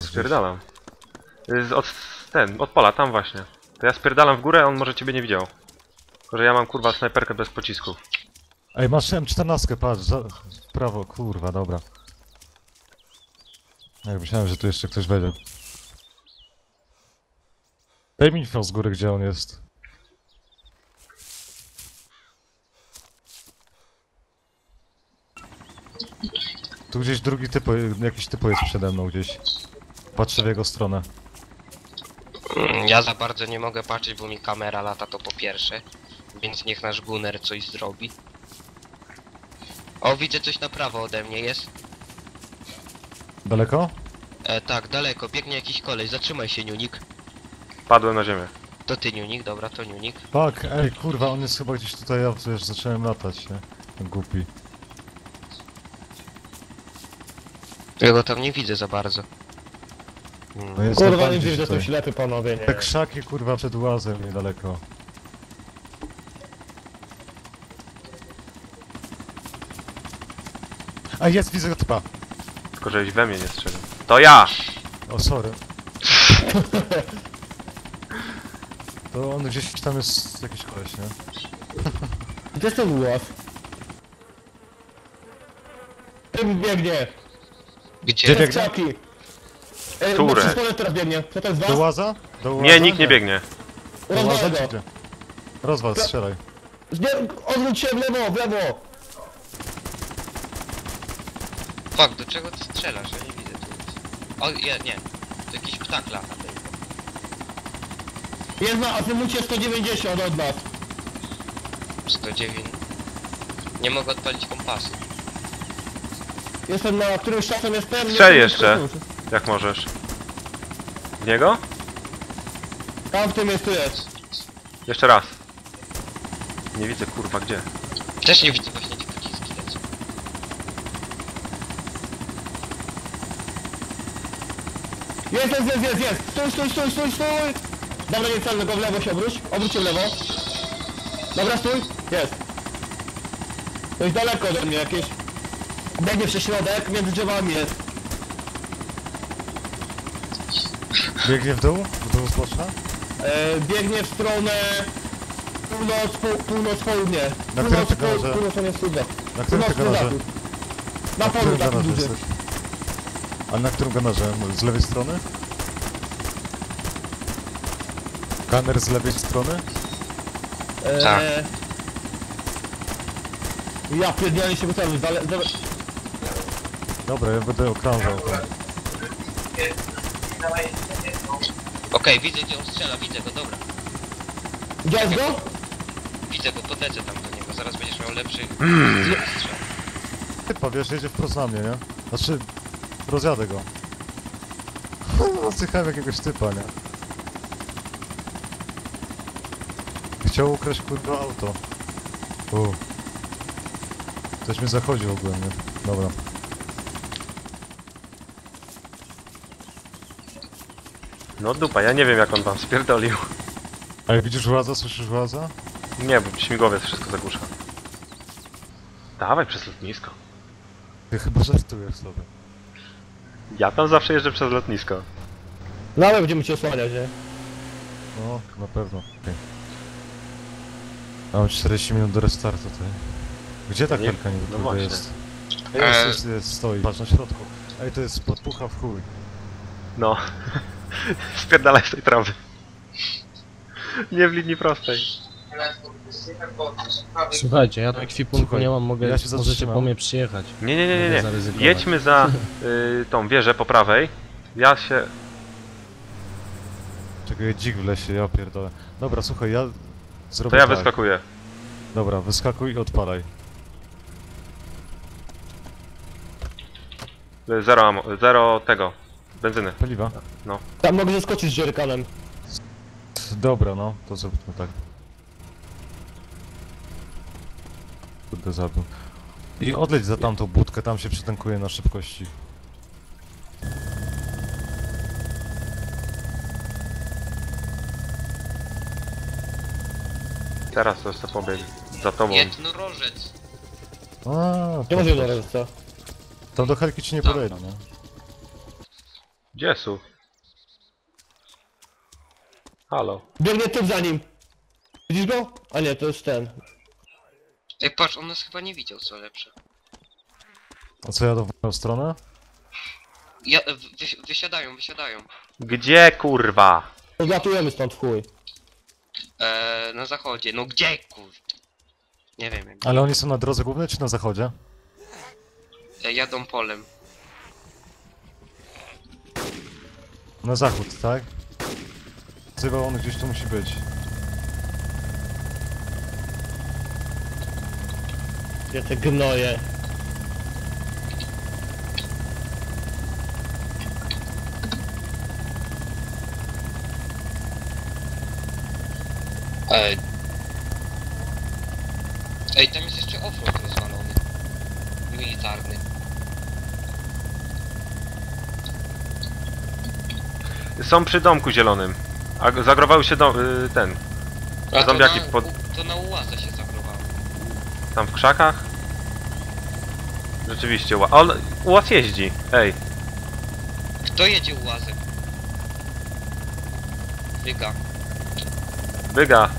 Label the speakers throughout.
Speaker 1: spierdalam. Od pola, tam właśnie. To ja spierdalam w górę, a on może ciebie nie widział. Tylko, że ja mam kurwa snajperkę bez pocisków.
Speaker 2: Ej, masz M14, patrz, w prawo, kurwa, dobra. Jak myślałem, że tu jeszcze ktoś wejdzie. Daj mi info z góry, gdzie on jest. Tu gdzieś drugi typo, jakiś typo jest przede mną gdzieś. Patrzę w jego stronę.
Speaker 3: Ja za bardzo nie mogę patrzeć, bo mi kamera lata, to po pierwsze. Więc niech nasz gunner coś zrobi. O, widzę coś na prawo ode mnie jest.
Speaker 2: Daleko?
Speaker 3: Tak, daleko, biegnie jakiś koleś, zatrzymaj się, Niunik.
Speaker 1: Padłem na ziemię.
Speaker 3: To ty, Niunik, dobra, to Niunik.
Speaker 2: Tak, ej, kurwa, on jest chyba gdzieś tutaj, ja już zacząłem latać, nie? Ten głupi.
Speaker 3: Ja go tam nie widzę za bardzo.
Speaker 2: No jest
Speaker 4: Kurwa,
Speaker 2: dokładnie
Speaker 4: nie
Speaker 2: gdzieś
Speaker 4: widzę, że
Speaker 2: tutaj.
Speaker 4: to ślepy panowie, nie.
Speaker 2: Te krzaki, kurwa, przed łazem niedaleko. A jest, widzę typa.
Speaker 1: Tylko, żeś we mnie nie strzelił. To ja!
Speaker 2: O, sorry. To on gdzieś tam jest jakiś koleś, nie?
Speaker 4: Gdzie jest ten łaz? Tym biegnie!
Speaker 3: Gdzie?
Speaker 2: Gdzie?
Speaker 4: Krzaki!
Speaker 1: Które?
Speaker 4: Na teraz biegnie. Co to jest
Speaker 2: Do
Speaker 4: was?
Speaker 2: łaza? Do łaza?
Speaker 1: Nie, nikt nie biegnie.
Speaker 2: Do łaza
Speaker 4: Rozwalę
Speaker 2: czy
Speaker 4: go!
Speaker 2: gdzie? Rozwal, strzelaj.
Speaker 4: Odwróć się w lewo, w lewo!
Speaker 3: Fuck, do czego ty strzelasz? Ja nie widzę tu nic. O, nie. To jakiś ptak lata tylko.
Speaker 4: Jest na azymucie 190 od nas.
Speaker 3: 109. Nie mogę odpalić kompasu.
Speaker 4: Jestem na którymś czasem jestem. nie
Speaker 1: Strzel
Speaker 4: wiem,
Speaker 1: jeszcze.
Speaker 4: czy-
Speaker 1: Jak możesz. W niego?
Speaker 4: Tam w tym jest, tu jest.
Speaker 1: Jeszcze raz. Nie widzę kurwa gdzie.
Speaker 3: Też nie widzę właśnie, gdzie pociski lecą.
Speaker 4: Jest! Stój! Dobra, nie celny, go w lewo się obróć. Obróć się w lewo. Dobra, stój. Jest. To jest daleko ode mnie jakieś. Biegnie przez środek, między drzewami jest.
Speaker 2: Biegnie w dół? W dół zbocza?
Speaker 4: Biegnie w stronę północ-południe.
Speaker 2: Na którym ty garaże?
Speaker 4: Północ on jest wschód.
Speaker 2: Na którym ty garaże?
Speaker 4: Na polu
Speaker 2: którym
Speaker 4: takim
Speaker 2: garażu
Speaker 4: dużym.
Speaker 2: jesteś? A na którym garaże? Z lewej strony? Gunner z lewej strony?
Speaker 3: Tak.
Speaker 4: Ja pierdolę się wystawił,
Speaker 2: Dobra, ja będę okrążał to.
Speaker 3: Okej, widzę gdzie on strzela, widzę go, dobra.
Speaker 4: Widziałeś go?
Speaker 3: Widzę go, podlecę tam do niego, zaraz będziesz miał lepszy strzał.
Speaker 2: Typa, wiesz, jedzie wprost na mnie, nie? Znaczy, rozjadę go. Zjechałem jakiegoś typa, nie? Chciał ukraść kurwa auto. Ktoś mnie zachodził ogólnie. Dobra.
Speaker 1: No dupa, ja nie wiem jak on tam spierdolił.
Speaker 2: A jak widzisz łaza, słyszysz łaza?
Speaker 1: Nie, bo śmigłowiec wszystko zagłusza. Dawaj przez lotnisko.
Speaker 2: Ty chyba żartujesz sobie.
Speaker 1: Ja tam zawsze jeżdżę przez lotnisko.
Speaker 4: Nawet będziemy cię osłaniać, nie?
Speaker 2: No, na pewno. Okay. Mam 40 minut do restartu, ty. Gdzie ta
Speaker 1: Nie-
Speaker 2: kelka niby
Speaker 1: no
Speaker 2: kurwa
Speaker 1: właśnie.
Speaker 2: jest? Jest, stoi. Patrz na środku. Ej, to jest podpucha w chuj.
Speaker 1: No. Spierdalaj z tej trawy. Nie w linii prostej.
Speaker 5: Słuchajcie, ja do ekwipunku
Speaker 2: Słuchaj,
Speaker 5: nie mam,
Speaker 2: ja się
Speaker 5: możecie
Speaker 2: zatrzymam.
Speaker 5: po mnie przyjechać.
Speaker 1: Nie.
Speaker 5: Mogę zaryzykować.
Speaker 1: Jedźmy za tą wieżę po prawej. Ja się...
Speaker 2: Czekaj, dzik w lesie, ja pierdolę. Dobra, słuchaj, ja zrobię
Speaker 1: To ja
Speaker 2: tak.
Speaker 1: wyskakuję.
Speaker 2: Dobra, wyskakuj i odpalaj.
Speaker 1: Zero tego. Benzyny.
Speaker 2: Paliwa?
Speaker 4: Tam mogę zeskoczyć z dzierkanem.
Speaker 2: Dobra, no, to zróbmy tak. Kurde, zabił. I odleć za tamtą budkę, tam się przytankuje na szybkości.
Speaker 1: Teraz to jeszcze pobiegł. Za tobą.
Speaker 3: Jednorożec.
Speaker 2: A,
Speaker 4: Nie może jedno co?
Speaker 2: tam do helki ci nie
Speaker 3: Tak.
Speaker 2: podejdę, nie?
Speaker 1: Gdzie są? Halo.
Speaker 4: Biegnie typ za nim. Widzisz go? A nie, to jest ten.
Speaker 3: Ej, patrz, on nas chyba nie widział, co lepsze.
Speaker 2: A co, jadą w moją stronę?
Speaker 3: Ja, wysiadają.
Speaker 1: Gdzie kurwa?
Speaker 4: Odlatujemy stąd w chuj.
Speaker 3: Na zachodzie. No gdzie, kurde? Nie wiem, jak.
Speaker 2: Ale oni są na drodze głównej czy na zachodzie?
Speaker 3: Jadą polem.
Speaker 2: Na zachód, tak? Chyba on gdzieś tu musi być.
Speaker 4: Gdzie te gnoje?
Speaker 3: Ej, tam jest jeszcze offroad rozwalony. Militarny.
Speaker 1: Są przy domku zielonym. A zagrowały się ten.
Speaker 3: A
Speaker 1: Zombiaki
Speaker 3: to
Speaker 1: pod...
Speaker 3: to na ułazę się zagrowało.
Speaker 1: Tam w krzakach? Rzeczywiście, on ułaz jeździ. Ej,
Speaker 3: Kto jedzie ułazem? Wyga.
Speaker 1: byga.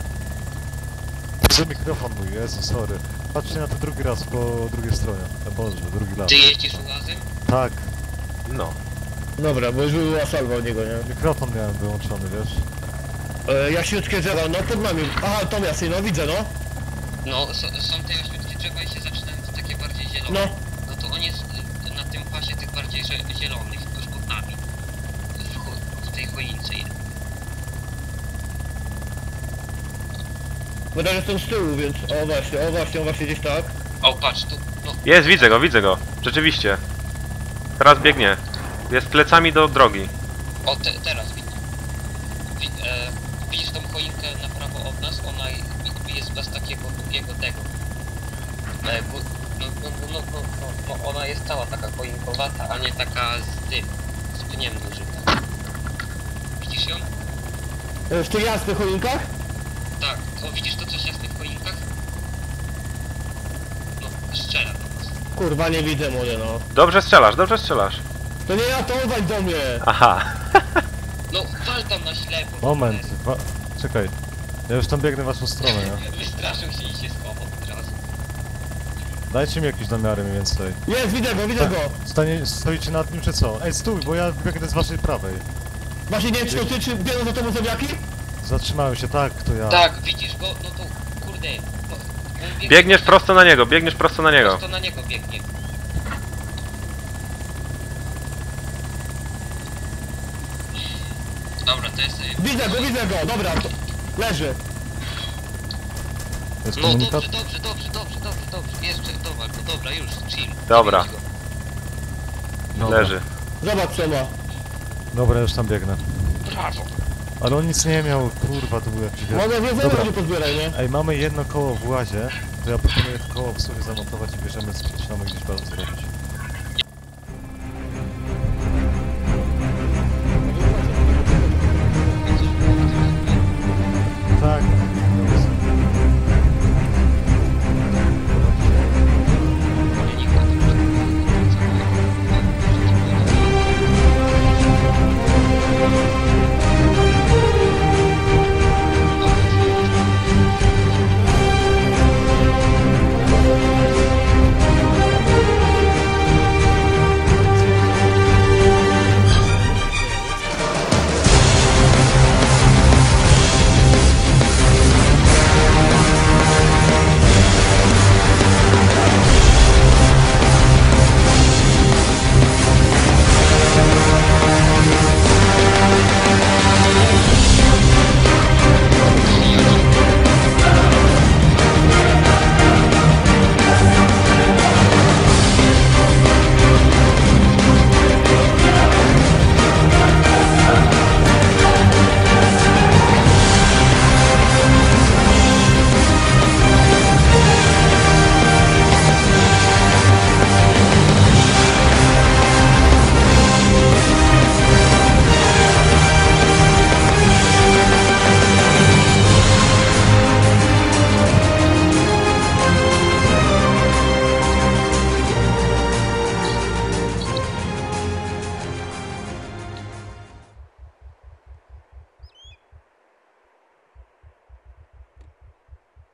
Speaker 2: Że mikrofon mój, Jezu, sorry. Patrzcie na to drugi raz po drugiej stronie. Boże, drugi raz.
Speaker 3: Ty jeździsz ułazem?
Speaker 2: Tak,
Speaker 1: No.
Speaker 4: Dobra, bo już była salwa od niego, nie?
Speaker 2: mikrofon miałem wyłączony, wiesz?
Speaker 4: Jaśniutkie drzewa, no pod nami. Aha, to miasto, no widzę, no.
Speaker 3: No, są te oświetlice drzewa i się zaczynają te takie bardziej zielone.
Speaker 4: No.
Speaker 3: No to on jest na tym pasie tych bardziej zielonych, tuż pod nami. W tej choince.
Speaker 4: Bo teraz jestem z tyłu, więc... O właśnie, gdzieś tak.
Speaker 3: O, patrz, tu, no,
Speaker 1: Jest, widzę go. Rzeczywiście. Teraz biegnie. Jest plecami do drogi.
Speaker 3: o, teraz widzę. Widzisz tą choinkę na prawo od nas? Ona jest bez takiego długiego tego. Ona jest cała taka choinkowata, a nie taka z pniem dużym. Widzisz ją?
Speaker 4: W tych jasnych choinkach?
Speaker 3: Tak, o, widzisz to coś jasne w choinkach? No, strzela do nas.
Speaker 4: Kurwa, nie widzę, młody, no.
Speaker 1: Dobrze strzelasz, dobrze strzelasz.
Speaker 4: To nie ja, to uważ do mnie!
Speaker 1: Aha.
Speaker 3: No, wal tam na ślepo.
Speaker 2: Moment, czekaj. Ja już tam biegnę w waszą stronę, nie?
Speaker 3: Wystraszył się i się schował od razu.
Speaker 2: Dajcie mi jakieś namiary mniej więcej.
Speaker 4: Jest, widzę go!
Speaker 2: Stoicie nad nim czy co? Ej, stój, bo ja biegnę z waszej prawej.
Speaker 4: Właśnie nie wiem, czy to ty, czy biorą za tobą zombiaki?
Speaker 2: Zatrzymałem się, tak, to ja.
Speaker 3: Tak, widzisz go? No to, kurde. No, on
Speaker 1: Biegniesz prosto na niego.
Speaker 3: prosto na niego biegnie. Dobra, to jest...
Speaker 4: Widzę go, dobra, to... leży.
Speaker 2: To jest
Speaker 3: No
Speaker 2: komunikat?
Speaker 3: dobrze, jeszcze, dobra, już, chill.
Speaker 1: Dobra.
Speaker 3: Zabierz go.
Speaker 2: Dobra.
Speaker 1: Leży.
Speaker 4: Zobacz co ma.
Speaker 2: Dobra, już tam biegnę.
Speaker 3: Brawo.
Speaker 2: Ale on nic nie miał, kurwa, to był jakiś wielki.
Speaker 4: Mogę więcej
Speaker 2: Dobra.
Speaker 4: ludzi pozbieraj, nie?
Speaker 2: Ej, mamy jedno koło w łazie, to ja proponuję to koło w sumie zamontować i bierzemy, zaczynamy gdzieś bazę zrobić. Tak.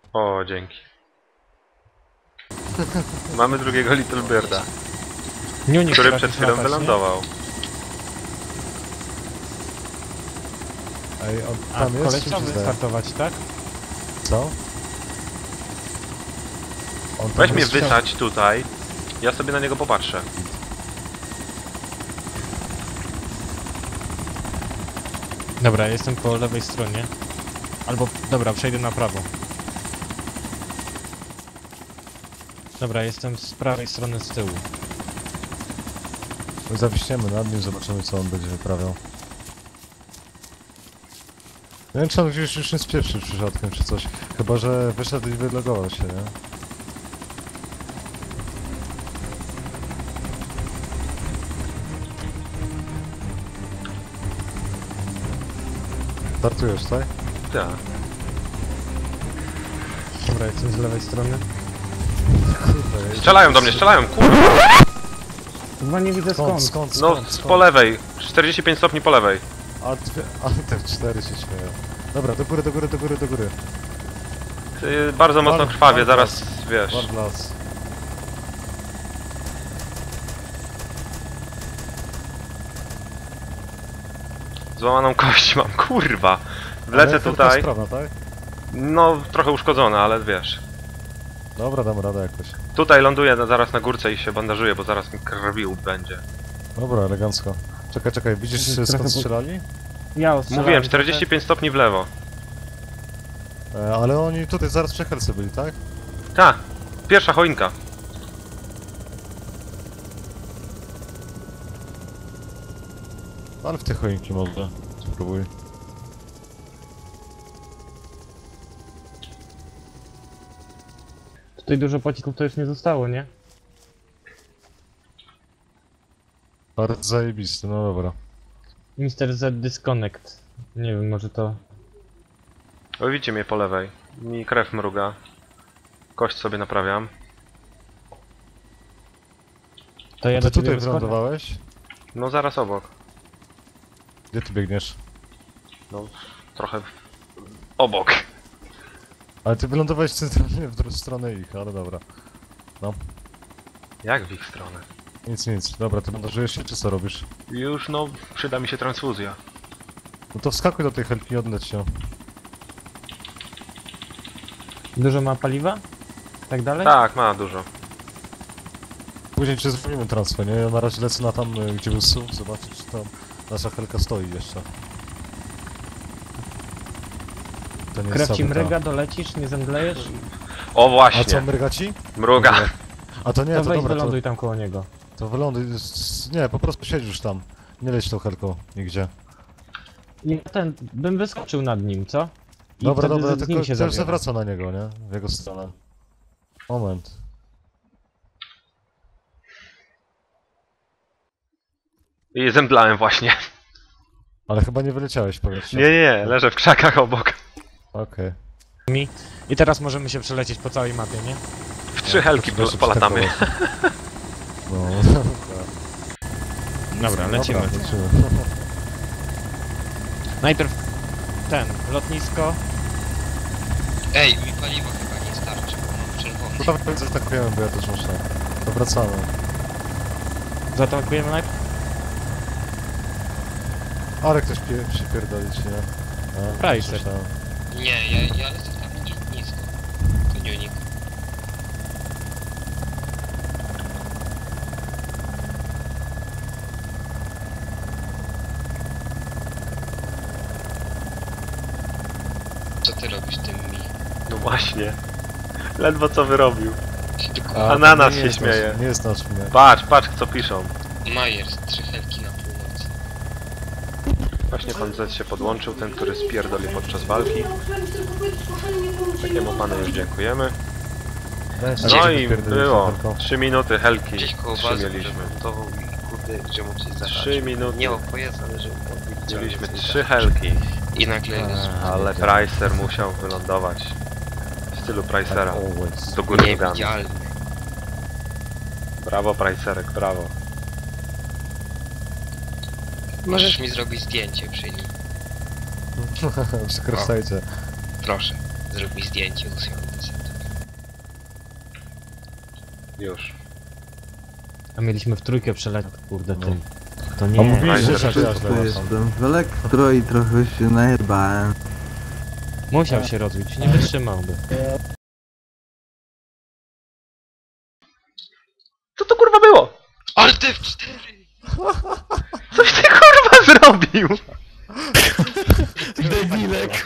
Speaker 1: O, dzięki. Mamy drugiego Little Birda,
Speaker 5: Niunik
Speaker 1: który
Speaker 5: potrafi
Speaker 1: przed chwilą
Speaker 5: latać, nie?
Speaker 1: wylądował.
Speaker 2: Ej, on
Speaker 5: A
Speaker 2: tam jest,
Speaker 5: koleś
Speaker 2: czy
Speaker 5: chciał
Speaker 2: zdaje?
Speaker 5: wystartować, tak?
Speaker 2: Co? On tam
Speaker 1: Weź mnie
Speaker 2: jest-
Speaker 1: wysadź tutaj, ja sobie na niego popatrzę.
Speaker 5: Dobra, jestem po lewej stronie. Albo, dobra, przejdę na prawo. Dobra, jestem z prawej strony z tyłu.
Speaker 2: Zawiśniemy nad nim, zobaczymy co on będzie wyprawiał. Nie wiem czy on już nie spieprzy przypadkiem czy coś. Chyba, że wyszedł i wylogował się, nie? Startujesz, tak?
Speaker 1: Tak.
Speaker 5: Dobra, jestem z lewej strony.
Speaker 2: Kurde,
Speaker 1: Strzelają do mnie, strzelają, kurwa.
Speaker 5: Chyba nie widzę
Speaker 2: skąd,
Speaker 5: skąd.
Speaker 2: skąd,
Speaker 1: No,
Speaker 2: skąd, skąd?
Speaker 1: po lewej. 45 stopni po lewej.
Speaker 2: A te 4 się śmieją. Dobra, do góry, do góry, do góry, do góry.
Speaker 1: Bardzo mocno
Speaker 2: Wal-
Speaker 1: krwawie,
Speaker 2: wal
Speaker 1: zaraz
Speaker 2: las.
Speaker 1: wiesz.
Speaker 2: Wal w las.
Speaker 1: Złamaną kość mam, kurwa.
Speaker 2: Ale
Speaker 1: Wlecę
Speaker 2: tylko
Speaker 1: tutaj.
Speaker 2: Strona, tak?
Speaker 1: No, trochę uszkodzona, ale wiesz.
Speaker 2: Dobra, dam radę jakoś.
Speaker 1: Tutaj ląduję zaraz na górce i się bandażuję, bo zaraz mi krwił będzie.
Speaker 2: Dobra, elegancko. Czekaj, czekaj, widzisz
Speaker 5: Trochę
Speaker 2: skąd
Speaker 5: po-
Speaker 2: strzelali?
Speaker 5: Ja ostrzelałem
Speaker 1: Mówiłem,
Speaker 5: trochę.
Speaker 1: 45 stopni w lewo.
Speaker 2: Ale oni tutaj zaraz przy helce byli, tak?
Speaker 1: Ta, pierwsza choinka.
Speaker 2: Ale w te choinki może. Spróbuj.
Speaker 5: Tutaj dużo pocisków to już nie zostało, nie?
Speaker 2: Bardzo zajebisty, no dobra.
Speaker 5: Mr. Z Disconnect. Nie wiem, może to...
Speaker 1: O, widzicie mnie po lewej. Mi krew mruga. Kość sobie naprawiam.
Speaker 5: To ja
Speaker 2: Ty
Speaker 5: do ciebie
Speaker 2: tutaj
Speaker 5: wyskoczę.
Speaker 2: wylądowałeś?
Speaker 1: No zaraz obok.
Speaker 2: Gdzie ty biegniesz?
Speaker 1: No, trochę obok.
Speaker 2: Ale ty wylądowałeś centralnie w drugą stronę ich, ale dobra.
Speaker 1: Jak w ich stronę?
Speaker 2: Nic, nic. Dobra, ty bandażujesz się, czy co robisz?
Speaker 1: Już no, przyda mi się transfuzja.
Speaker 2: No to wskakuj do tej helki i odleć się.
Speaker 5: Dużo ma paliwa? Tak dalej?
Speaker 1: Tak, ma dużo.
Speaker 2: Później cię zrobimy transfer, nie? Ja na razie lecę na tam, gdzie był SUV, zobaczyć, czy tam nasza helka stoi jeszcze. To nie jest
Speaker 5: Krew ci
Speaker 2: sabotaż.
Speaker 5: mryga, dolecisz, nie zemdlejesz?
Speaker 1: O
Speaker 2: A co,
Speaker 1: właśnie,
Speaker 2: mryga ci?
Speaker 1: mruga.
Speaker 2: A to nie,
Speaker 5: To
Speaker 2: to
Speaker 5: weź
Speaker 2: dobra,
Speaker 5: wyląduj tam koło niego.
Speaker 2: to wyląduj. Nie, po prostu siedzisz tam. Nie leć tą helką nigdzie.
Speaker 5: Ja bym wyskoczył nad nim, co? I
Speaker 2: Dobra,
Speaker 5: wtedy
Speaker 2: dobra,
Speaker 5: z nim
Speaker 2: tylko
Speaker 5: się
Speaker 2: też
Speaker 5: zabiorę.
Speaker 2: zawraca na niego, nie? W jego stronę. Moment.
Speaker 1: I zemdlałem właśnie.
Speaker 2: Ale chyba nie wyleciałeś w powietrze.
Speaker 1: Nie, nie, leżę w krzakach obok.
Speaker 2: Okej.
Speaker 5: I teraz możemy się przelecieć po całej mapie, nie?
Speaker 1: W 3 helki
Speaker 2: Proszę,
Speaker 1: polatamy.
Speaker 2: przeskakować. No,
Speaker 5: Dobra, lecimy.
Speaker 2: Dobra, lecimy.
Speaker 5: Najpierw lotnisko.
Speaker 3: Ej, mi paliwa chyba nie starczy, bo mam czerwony.
Speaker 2: No tam zaatakujemy, bo ja też muszę. To wracamy.
Speaker 5: Zaatakujemy najpierw.
Speaker 2: Ale ktoś przypierdolić, nie? A,
Speaker 5: Pricer.
Speaker 2: myślałem.
Speaker 3: Nie, ja lecę tam nisko. To nie unik. Co ty robisz tym mi?
Speaker 1: No właśnie. Ledwo co wyrobił.
Speaker 2: A,
Speaker 1: A na
Speaker 2: to
Speaker 1: nas
Speaker 2: nie
Speaker 1: się
Speaker 2: jest
Speaker 1: śmieje.
Speaker 2: Nasz, nie jest nasz mnie.
Speaker 1: Patrz, patrz co piszą.
Speaker 3: Majers, 3 helki na północy.
Speaker 1: Właśnie pan Z się podłączył, ten który spierdolił podczas walki. Takiemu panu już dziękujemy.
Speaker 2: Weź,
Speaker 1: No
Speaker 2: się
Speaker 1: i
Speaker 2: wypierdolić
Speaker 1: było.
Speaker 2: tą helką.
Speaker 1: 3 minuty helki.
Speaker 3: Gdzieś koło bazy
Speaker 1: Mieliśmy.
Speaker 3: remontował i kurde, że mu coś zabrać.
Speaker 1: 3 minuty.
Speaker 3: Nie o pojazd, ale że odwiedził.
Speaker 1: Mieliśmy 3 helki.
Speaker 3: I nagle...
Speaker 1: Ale Pricer musiał wylądować. W stylu Pricera.
Speaker 2: Always.
Speaker 1: Do góry nogami.
Speaker 3: Niewidzialny.
Speaker 1: Brawo Pricerek, brawo.
Speaker 3: Możesz mi zrobić zdjęcie przy nim.
Speaker 2: Przekręcajcie.
Speaker 3: Proszę. Zrób mi zdjęcie, usuwam set.
Speaker 1: Już.
Speaker 5: A mieliśmy w trójkę przelecieć, kurde,
Speaker 2: No.
Speaker 5: tym. To
Speaker 2: A
Speaker 5: nie.
Speaker 2: mówiłeś, że
Speaker 1: Fajnie,
Speaker 2: się
Speaker 1: że
Speaker 2: źle
Speaker 6: To
Speaker 2: łapał.
Speaker 6: jestem w elektro i trochę się najebałem.
Speaker 5: Musiał się rozbić, nie wytrzymałby.
Speaker 1: Co to kurwa było?
Speaker 3: Alt F4!
Speaker 1: Coś ty kurwa zrobił?
Speaker 4: Debilek.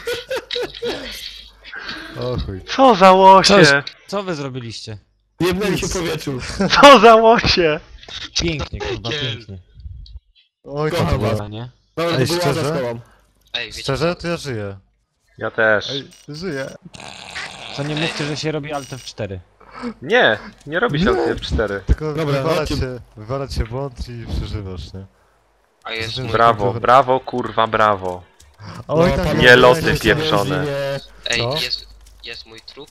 Speaker 2: O chuj.
Speaker 1: Co za łosie?
Speaker 5: Co wy zrobiliście?
Speaker 4: Jebnęli się w powietrzu.
Speaker 1: Co za łosie?
Speaker 5: Pięknie, kurwa,
Speaker 3: Kiel.
Speaker 5: pięknie.
Speaker 2: Oj, to
Speaker 4: Kocham
Speaker 2: było.
Speaker 4: was.
Speaker 5: Nie?
Speaker 4: Dobra,
Speaker 2: Ej,
Speaker 4: to była
Speaker 2: szczerze?
Speaker 4: za szkołą.
Speaker 3: Ej, wiecie
Speaker 2: Szczerze,
Speaker 3: co?
Speaker 2: to ja żyję.
Speaker 1: Ja też.
Speaker 2: Ej, żyję.
Speaker 5: Co nie mówcie, że się robi Alt F4.
Speaker 1: Nie, nie robi się F4.
Speaker 2: Tylko
Speaker 4: Dobra,
Speaker 2: wywalać się błąd i przeżywasz, nie?
Speaker 3: A jest
Speaker 2: Brawo.
Speaker 3: mój...
Speaker 1: Brawo, brawo, kurwa, brawo.
Speaker 2: Oj,
Speaker 4: No,
Speaker 2: tam
Speaker 4: panowie,
Speaker 1: Nie loty
Speaker 4: jesteście
Speaker 1: pieprzone.
Speaker 4: rodzinie.
Speaker 3: Ej,
Speaker 2: Co?
Speaker 3: jest mój trup?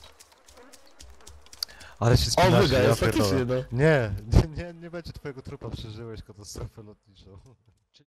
Speaker 2: Ale się
Speaker 4: O,
Speaker 2: spinasz,
Speaker 4: wyga,
Speaker 2: ja
Speaker 4: jest
Speaker 2: pierdolę.
Speaker 4: faktycznie, no.
Speaker 2: Nie będzie twojego trupa, przeżyłeś katastrofę lotniczą.